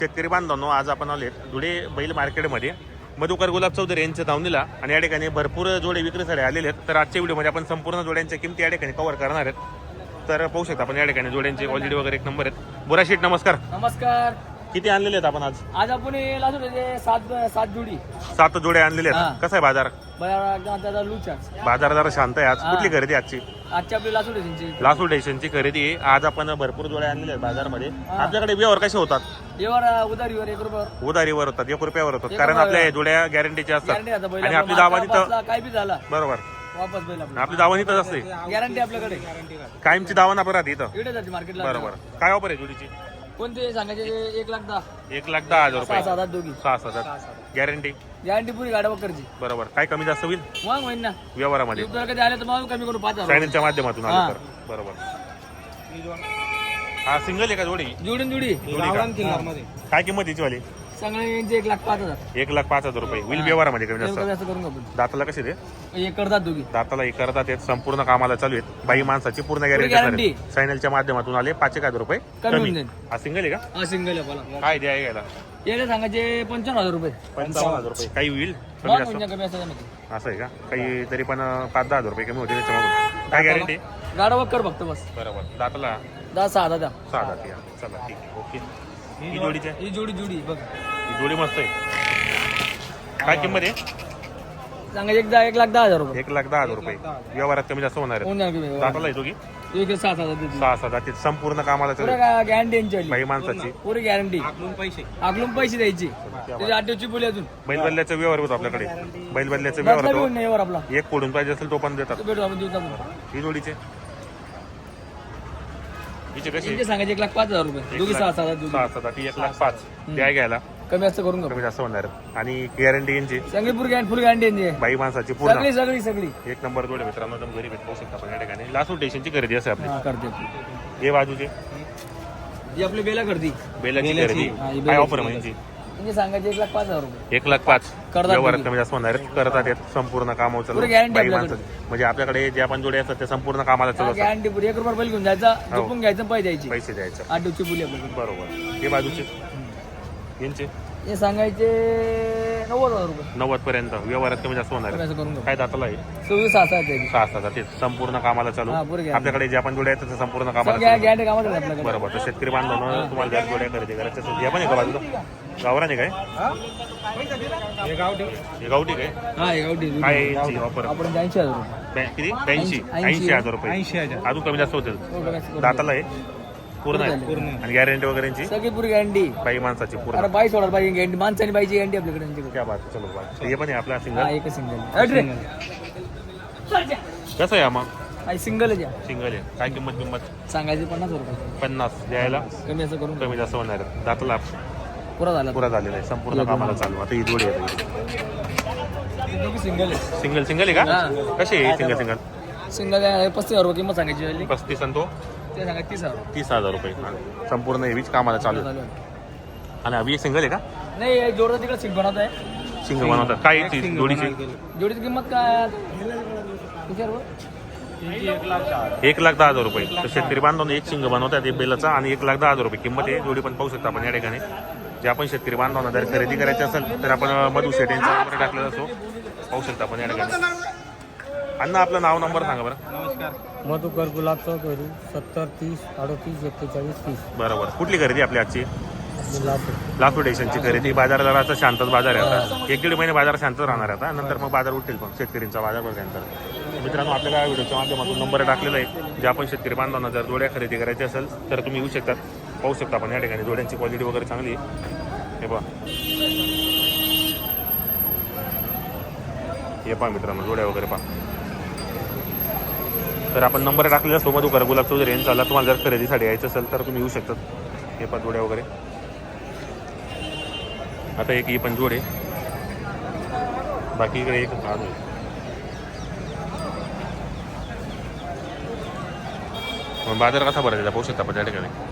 शेतकरी बांधवांनो, आज आपण आले धुळे बैल मार्केटमध्ये मधुकर गुलाब चौधरी यांचं धावणीला आणि या ठिकाणी भरपूर जोडे विक्रीसाठी आलेले आहेत. तर आजच्या व्हिडिओमध्ये आपण संपूर्ण जोड्यांच्या किमती या ठिकाणी कव्हर करणार आहेत. तर पाहू शकता आपण या ठिकाणी जोड्यांचे क्वालिटी वगैरे एक नंबर आहेत. बोरा शेठ नमस्कार. नमस्कार. किती आणलेले आहेत आपण आज? आज आपण सात जोडी 7 जोडे आणलेले आहेत. कसा आहे बाजार? बाजार जरा शांत आहे. आज कुठली खरेदी आजची? आजची आपली लासूर स्टेशनची खरेदी आहे. आज आपण भरपूर जोडे आणलेले आहेत बाजारमध्ये. आपल्याकडे व्यवहार कसे होतात? उधारीवर 1 रुपयावर. उधारीवर होतात, 1 रुपयावर होतात. कारण आपल्या जोड्या गॅरंटीच्या असतात आणि आपली दावा तिथं काय बी झाला बरोबर वापस बैल आपली दावा इथंच असते. गॅरंटी आपल्याकडे कायमची दावा ना राहते इथं. इकडे जाते मार्केटला. बरोबर. काय ऑफर आहे जोडीची? कोणते सांगायचे? 1,10,000. 1,10,000 रुपये. 6,000 दोघी. 6,000 गॅरंटी. गॅरंटी पुरी गाड्या वगैरेची. बरोबर. काय कमी जास्त होईल मग होईल ना व्यवहारामध्ये? कधी आले तर मग कमी करू 5,000 चॅनलच्या माध्यमातून आलं तर. बरोबर. हा सिंगल आहे का जोडी? जोडी जोडी का? काय किंमत याची वाली? सगळे यांचे 1,05,000. 1,05,000 रुपये होईल व्यवहारामध्ये कमी जास्त. जास्त करून आपण दाताला कसे ते? हे करतात दोघी. दाताला एक करतात ते. संपूर्ण कामाला चालू आहेत. बाई माणसाची पूर्ण guarantee. गॅरंटी. चॅनलच्या माध्यमातून आले 5,000 रुपये कमी होऊन जाईल. हा सिंगल आहे का? हा सिंगल आहे बोला. काय द्या घ्यायला? याला सांगायचे 55,000 रुपये. 55,000 रुपये. काही होईल कमी मग जास्त? म्हणजे कमी असं असं आहे का? काही तरी पण 5-10 रुपये कमी होते त्याच्यामधून. काय गॅरंटी? गाडा वक्कर बघतो बस. बरोबर. दाताला 10,000 द्या. 6,000 या. चला ठीक आहे. ओके. ही जोडीची आहे? ही जोडी बघ. ही जोडी मस्त आहे. काय किंमत आहे? सांगायचे एकदा 1,10,000 रुपये. 1,10,000 रुपये. व्यवहारात कमी जास्त होणार होऊन आहे. जाईल कमी. दाताला येतो की? 6,000 देतो. 6,000 ते संपूर्ण कामाला चालू आहे. पुरा गॅरंटी यांची बाई माणसाची पुरी गॅरंटी. आकलून पैसे द्यायची. त्याची 8 दिवशी बोली अजून. बैलबल्ल्याचा व्यवहार होतो आपल्याकडे. बैलबल्ल्याचा व्यवहार बदला होतो. घेऊन नाही वर आपला. एक कोडून पाहिजे असेल तो पण देतात. तो भेटू आपण देऊ आपण. ही जोडीचे हिचे कशी? यांचे सांगायचे 1,05,000 रुपये. दोघी 6,000 दोघी. 6,000 ती 1,05,000 द्या घ्यायला कमी असं करून कमी जास्त होणार आहे. आणि गॅरंटी यांची संगीपूर फुल गॅरंटी यांची आहे. बाई माणसाची पूर्ण सगळी एक नंबर जोडे मित्रांनो. एकदम घरी भेट पाहू शकता आपण या ठिकाणी. लासूर स्टेशनची खरेदी असते आपली. करते. हे बाजूचे ही आपली बेला करते. बेलाची खरेदी. हा, ही काय ऑफर म्हणजे? यांचे सांगायचे 1,05,000 रुपये. 1,05,000 व्यवहारात कमी जास्त होणार आहे. करतात येत संपूर्ण कामावर चालू. पुरी guarantee बाई आपल्याकडे. माणसाची म्हणजे आपल्याकडे ज्या पण जोडे असतात ते संपूर्ण कामाला चालू असतात. गॅरंटी पुरी 1 रुपया बैल घेऊन जायचा झोपून घ्यायचं पैसे द्यायचे. पैसे द्यायचे. 8 दिवशी बोली आपल्याकडे. बरोबर. हे बाजूचे यांचे हे सांगायचे 90,000 रुपये. 90 पर्यंत व्यवहारात कमी जास्त होणार कमी आहे. असं करून घेऊ. काय दाताला आहे? 26,000 द्यायची. 6,000 ते संपूर्ण कामाला चालू. हा, पुरी guarantee. आपल्याकडे ज्या पण जोड्या आहेत त्या संपूर्ण कामाला चालू. गॅरंटी कामात आहे आपल्याकडे. बरोबर. तर शेतकरी बांधवांनो तुम्हाला जर जोड्या खरेदी करायच्या असेल या पण आहे का बाजूला? गावराने काय? हे गावठी काय? हा हे गावठी. काय यांची ऑफर? आपण 80,000 रुपये. किती? 80,000 रुपये. 80,000. अजून कमी जास्त होतील. हो, कमी असं करून दाताला आहे पूर्ण आहे आणि गॅरंटी वगैरेची सगळी पुरी गॅरंटी. बाई माणसाची पूर्ण. अरे बाई सोडा पाहिजे गॅरंटी. माणसाने पाहिजे गॅरंटी आपल्याकडे यांच्याकडे. क्या बात. चलो बात. हे पण आहे आपला हा सिंगल. एक सिंगल. कसं आहे मग? हा सिंगल द्या. सिंगल आहे. काय किंमत? सांगायचे 50,000 रुपये. 50 द्यायला कमी असं करून कमी जास्त होणार आहे. दाताला पुरा झाला. पुरा झालेला आहे. संपूर्ण कामाला चालू. आता ही जोडी आहे. सिंगल आहे. सिंगल आहे का? कशी आहे सिंगल? सिंगल 35,000 रुपये किंमत सांगायची वाली. 35 आणि तो ते सांगा 30,000. 30,000 रुपये. संपूर्ण हेवीच कामाला चालू आहे. आणि अभि सिंगल आहे का? नाही जोडता तिकडे सिंग बनवत आहे. सिंगल बनवतात. काय याची जोडीची? जोडीची किंमत काय? विचार 1,10,000 रुपये. तर शेतकरी बांधवांना एक शिंग बनवतात एक बेलाचा आणि 1,10,000 रुपये किंमत आहे. जोडी पण पाहू शकता आपण या ठिकाणी. जे आपण शेतकरी बांधवांना जर खरेदी करायची असेल तर आपण मधु शेट यांचा नंबर टाकलेला असो. पाहू शकता आपण या ठिकाणी. अण्णा आपलं नाव नंबर सांगा बरं. नमस्कार. मधुकर गुलाब चौधरी 70 30 38 41 30. बरोबर. कुठली खरेदी आपली आजची? लासूर स्टेशनची खरेदी. बाजार जराचा शांतच बाजार आहे आता. 1-1.5 महिने बाजार शांत राहणार आहे आता. नंतर मग बाजार उठतील पण शेतकरींचा बाजार भरल्यानंतर. मित्रांनो आपल्या व्हिडिओच्या माध्यमातून नंबर टाकलेला आहे. जे आपण शेतकरी बांधवांना जर जोड्या खरेदी करायची असेल तर तुम्ही येऊ शकतात. पाहू शकता आपण या ठिकाणी. जोड्यांची क्वालिटी वगैरे चांगली आहे. हे पहा. हे पहा मित्रांनो जोड्या वगैरे पहा. तर आपण नंबर टाकलेला असतो मधुकर गुलाब चौधरी यांचा. तुम्हाला जर खरेदीसाठी यायचं असेल तर तुम्ही येऊ शकतात. हे पहा जोड्या वगैरे. आता एक ही पण जोड आहे. बाकी इकडे एक आहे. बाजार कसा भरायचा पाहू शकता आपण त्या ठिकाणी.